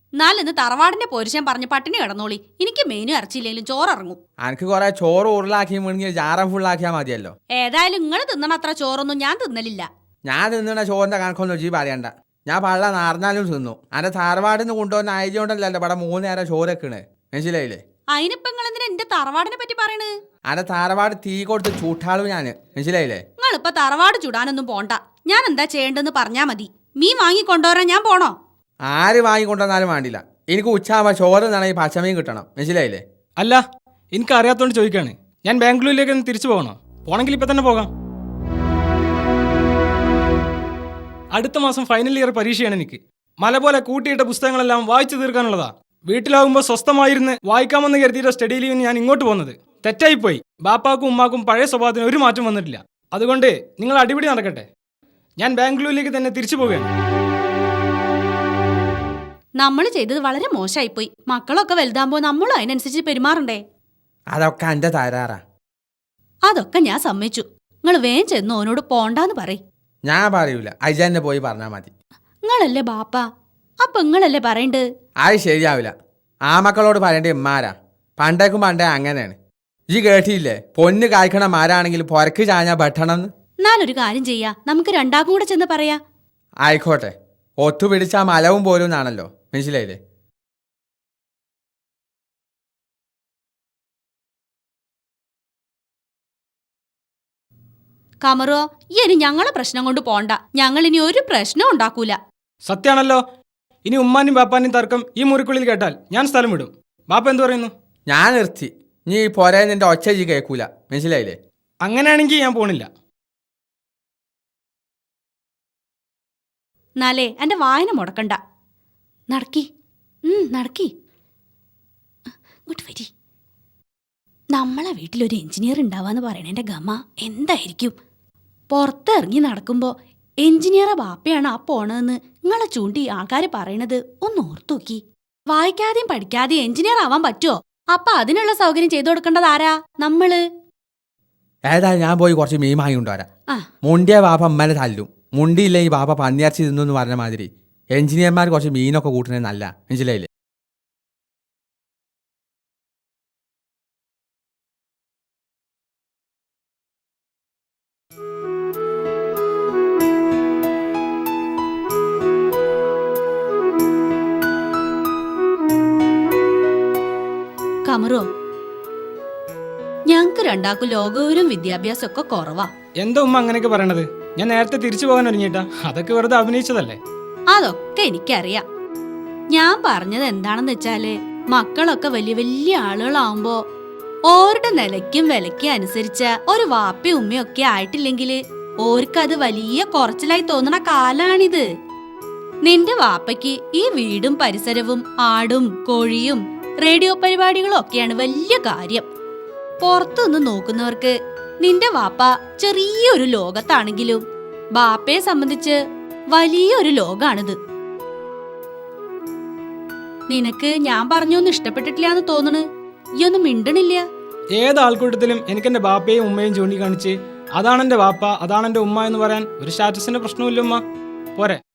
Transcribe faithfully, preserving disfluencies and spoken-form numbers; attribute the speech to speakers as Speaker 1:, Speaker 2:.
Speaker 1: നാലിന്ന് തറവാടിന്റെ പോരിശൻ പറഞ്ഞ് പട്ടിണി കിടന്നോളി. എനിക്ക് മെയിനും ഇറച്ചിയില്ലെങ്കിലും ചോറിറങ്ങും.
Speaker 2: എനിക്ക് കൊറേ ചോറ് ഉരുളാക്കി മുഴുങ്ങി ജാറം ഫുള്ളാക്കിയാ മതിയല്ലോ.
Speaker 1: ഏതായാലും നിങ്ങൾ തിന്നണ അത്ര ചോറൊന്നും ഞാൻ തിന്നലില്ല.
Speaker 2: ഞാൻ തിന്നണ ചോറിന്റെ കണക്കൊന്നും ജി പറയണ്ട. ഞാൻ പള്ള നാർന്നാലും തിന്നു. അന്റെ തറവാടിന്ന് കൊണ്ടുവന്ന ആയതുകൊണ്ടല്ലോ ഇവിടെ മൂന്ന് നേരം ചോറൊക്കെണ്. മനസ്സിലായില്ലേ?
Speaker 1: അതിനിപ്പോ നിങ്ങൾ എന്തിനാ എന്റെ തറവാടിനെ പറ്റി പറയണ്?
Speaker 2: അന്റെ തറവാട് തീ കൊടുത്ത് ചൂട്ടാളും ഞാന്. മനസ്സിലായില്ലേ?
Speaker 1: നിങ്ങളിപ്പൊ തറവാട് ചൂടാനൊന്നും പോണ്ട. ഞാൻ എന്താ ചെയ്യേണ്ടെന്ന് പറഞ്ഞാ മതി. മീൻ വാങ്ങിക്കൊണ്ടുവരാൻ ഞാൻ പോണോ?
Speaker 2: ആര് വാങ്ങിക്കൊണ്ടുവന്നാലും വേണ്ടില്ല. എനിക്ക് ഉച്ചാകുമ്പോ ചോറ് നിന്നാണെങ്കിൽ പച്ചമീൻ കിട്ടണം. മനസ്സിലായില്ലേ?
Speaker 3: അല്ല, എനിക്ക് അറിയാത്തോണ്ട് ചോദിക്കാണ്. ഞാൻ ബാംഗ്ലൂരിലേക്ക് ഒന്ന് തിരിച്ചു പോകണോ? പോണെങ്കിൽ ഇപ്പൊ തന്നെ പോകാം. അടുത്ത മാസം ഫൈനൽ ഇയർ പരീക്ഷയാണ് എനിക്ക്. മല പോലെ കൂട്ടിയിട്ട പുസ്തകങ്ങളെല്ലാം വായിച്ചു തീർക്കാനുള്ളതാ. വീട്ടിലാകുമ്പോൾ സ്വസ്ഥമായിരുന്ന് വായിക്കാമെന്ന് കരുതിയിട്ട് സ്റ്റഡി ലീവിന് ഞാൻ ഇങ്ങോട്ട് പോകുന്നത് തെറ്റായിപ്പോയി. ബാപ്പാക്കും ഉമ്മാക്കും പഴയ സ്വഭാവത്തിന് ഒരു മാറ്റം വന്നിട്ടില്ല. അതുകൊണ്ട് നിങ്ങൾ അടിപിടി നടക്കട്ടെ. ഞാൻ ബാംഗ്ലൂരിലേക്ക് തന്നെ തിരിച്ചു പോവുകയാണ്.
Speaker 1: നമ്മൾ ചെയ്തത് വളരെ മോശമായിപ്പോയി. മക്കളൊക്കെ വലുതാകുമ്പോ നമ്മളും അതിനനുസരിച്ച് പെരുമാറണ്ടേ?
Speaker 2: അതൊക്കെ എന്റെ തരാറാ.
Speaker 1: അതൊക്കെ ഞാൻ സമ്മതിച്ചു. നിങ്ങൾ വേഗം ചെന്ന് ഓനോട് പോണ്ടാന്ന് പറയ്.
Speaker 2: ഞാൻ പറയൂല, അജന്നെ പോയി പറഞ്ഞാ മതി.
Speaker 1: നിങ്ങളല്ലേ ബാപ്പ, അപ്പൊ നിങ്ങളല്ലേ പറയണ്ട്.
Speaker 2: അത് ശരിയാവില്ല. ആ മക്കളോട് പറയേണ്ട ഇമ്മാരാ. പണ്ടേക്കും പണ്ടേ അങ്ങനെയാണ്. ഈ കേട്ടിയില്ലേ, പൊന്ന് കായ്ക്കണ മാരാണെങ്കിൽ പൊരക്ക് ചാഞ്ഞാ പെട്ടണമെന്ന്.
Speaker 1: എന്നാലൊരു കാര്യം ചെയ്യാ, നമുക്ക് രണ്ടാക്കും കൂടെ ചെന്ന് പറയാ.
Speaker 2: ആയിക്കോട്ടെ, ഒത്തുപിടിച്ചാ മലവും പോലും എന്നാണല്ലോ. മനസ്സിലായില്ലേ?
Speaker 1: കമറോ, ഇനി ഞങ്ങളെ പ്രശ്നം കൊണ്ട് പോണ്ട. ഞങ്ങൾ ഇനി ഒരു പ്രശ്നം ഉണ്ടാക്കൂല.
Speaker 3: സത്യാണല്ലോ. ഇനി ഉമ്മാനും ബാപ്പാനും തർക്കം ഈ മുറിക്കുള്ളിൽ കേട്ടാൽ ഞാൻ സ്ഥലം വിടും. ബാപ്പ എന്ത് പറയുന്നു?
Speaker 2: ഞാൻ നിർത്തി. നീ ഈ പോരെ നിന്റെ ഒച്ച ജി കേൾക്കൂല. മനസ്സിലായില്ലേ?
Speaker 3: അങ്ങനെയാണെങ്കിൽ ഞാൻ പോണില്ല.
Speaker 1: എന്നാലേ എന്റെ വായന മുടക്കണ്ട. നടക്കി നടക്കി ഇങ്ങോട്ട് വരി. നമ്മളെ വീട്ടിലൊരു എഞ്ചിനീയർ ഉണ്ടാവാന്ന് പറയണേന്റെ ഗമ എന്തായിരിക്കും? പുറത്തിറങ്ങി നടക്കുമ്പോ എഞ്ചിനീയറെ ബാപ്പയാണ് ആ പോണതെന്ന് നിങ്ങളെ ചൂണ്ടി ആൾക്കാർ പറയണത് ഒന്ന് ഓർത്തു നോക്കി. വായിക്കാതെയും പഠിക്കാതെയും എഞ്ചിനീയർ ആവാൻ പറ്റുമോ? അപ്പൊ അതിനുള്ള സൗകര്യം ചെയ്തു കൊടുക്കേണ്ടത് ആരാ? നമ്മള്.
Speaker 2: ഏതായാലും ഞാൻ പോയി കുറച്ച് മീൻ വാങ്ങി കൊണ്ടുവരാം. മുണ്ടിയ ബാപ്പ അമ്മനെ തല്ലും. മുണ്ടിയില്ലേ ഈ ബാപ്പ പന്നിയർച്ചി തിന്നു എന്ന് പറഞ്ഞ മാതിരി എഞ്ചിനീയർമാർ കുറച്ച് മീനൊക്കെ കൂട്ടുന്നത് നല്ല. മനസ്സിലായില്ലേ?
Speaker 1: കമറോ, ഞങ്ങക്ക് രണ്ടാക്കും ലോകവും വിദ്യാഭ്യാസം ഒക്കെ കുറവാ.
Speaker 3: എന്താ ഉമ്മ അങ്ങനെയൊക്കെ പറയണത്? ഞാൻ നേരത്തെ തിരിച്ചു പോകാൻ ഒരുങ്ങിയിട്ടാ. അതൊക്കെ വെറുതെ അഭിനയിച്ചതല്ലേ.
Speaker 1: അതൊക്കെ എനിക്കറിയാം. ഞാൻ പറഞ്ഞത് എന്താണെന്ന് വെച്ചാല്, മക്കളൊക്കെ വലിയ വലിയ ആളുകളാവുമ്പോ ഓരുടെ നിലയ്ക്കും വിലയ്ക്കും അനുസരിച്ച ഒരു വാപ്പയും ഉമ്മയും ഒക്കെ ആയിട്ടില്ലെങ്കിൽ ഓർക്കത് വലിയ കുറച്ചിലായി തോന്നണ കാലാണിത്. നിന്റെ വാപ്പയ്ക്ക് ഈ വീടും പരിസരവും ആടും കോഴിയും റേഡിയോ പരിപാടികളും ഒക്കെയാണ് വലിയ കാര്യം. പുറത്തുനിന്ന് നോക്കുന്നവർക്ക് നിന്റെ വാപ്പ ചെറിയൊരു ലോകത്താണെങ്കിലും ബാപ്പയെ സംബന്ധിച്ച് വലിയൊരു ലോകാണിത്. നിനക്ക് ഞാൻ പറഞ്ഞൊന്നും ഇഷ്ടപ്പെട്ടിട്ടില്ലാന്ന് തോന്നണ്. ഈ ഒന്നും മിണ്ടണില്ല.
Speaker 3: ഏത് ആൾക്കൂട്ടത്തിലും എനിക്ക് എന്റെ ബാപ്പയും ഉമ്മയും ചൂണ്ടിക്കാണിച്ച് അതാണ് എന്റെ ബാപ്പ അതാണ് എന്റെ ഉമ്മ എന്ന് പറയാൻ ഒരു സ്റ്റാറ്റസിന്റെ പ്രശ്നമില്ല ഉമ്മ. പോരെ?